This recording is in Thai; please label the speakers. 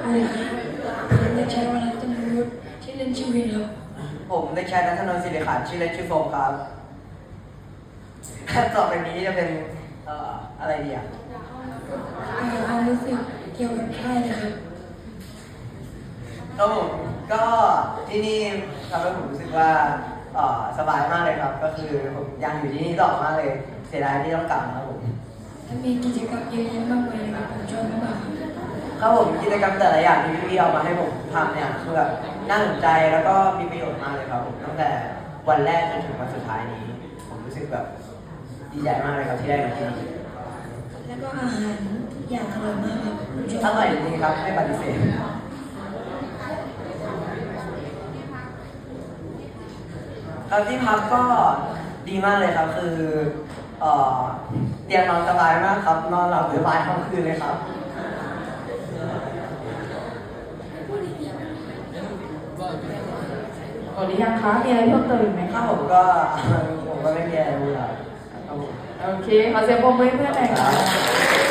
Speaker 1: โอ้ยผมเด็กชายวรัตนวุฒิชื่อเล่นชื่อวินครับ
Speaker 2: ผมเด็กชายณัฐนนท์ศิริขันธ์ชื่อเล่นชื่อโฟมครับต่อไปนี้จะเป็นอะไรดีอ่ะ
Speaker 1: ความรู้สึกเกี่ยวกับค่ายนะครับ
Speaker 2: ครับผมก็ที่นี่ทำให้ผมรู้สึกว่าสบายมากเลยครับก็คือผมยังอยู่ที่นี่ต่อมากเลยเสียดายที่ต้องกลับครับผม
Speaker 1: ถ้ามีกิจกรรมเยอะแยะมากมายเลยครับผมชอบมาก
Speaker 2: ครับผมกิจกรรมแต่ละอย่างที่พี่ๆเอามาให้ผมทำเนี่ยคือแบบน่าสนใจแล้วก็มีประโยชน์มากเลยครับผมตั้งแต่วันแรกจนถึงวันสุดท้ายนี้ผมรู้สึกแบบดีใจมากเลยครับที่ได้มาที่นี่
Speaker 1: แล้วก็อาหารทุกอย่างอร่อยมากครับ
Speaker 2: อร่อยจริงครับไม่ปฏิเสธครับที่พักก็ดีมากเลยครับคือเตียงนอนสบายมากครับนอนหลับสบายทั้งคืนเลยครับ
Speaker 3: หมดหรือยังคะมีอะไรเพิ่มเติมอีกไหม
Speaker 2: ถ้า
Speaker 3: คะ
Speaker 2: ผมก็ไม่มีอะไรรู้แล้วครับ
Speaker 3: โอเคขอเสียงปรบมือให้เพื่อนหน่อยค่ะ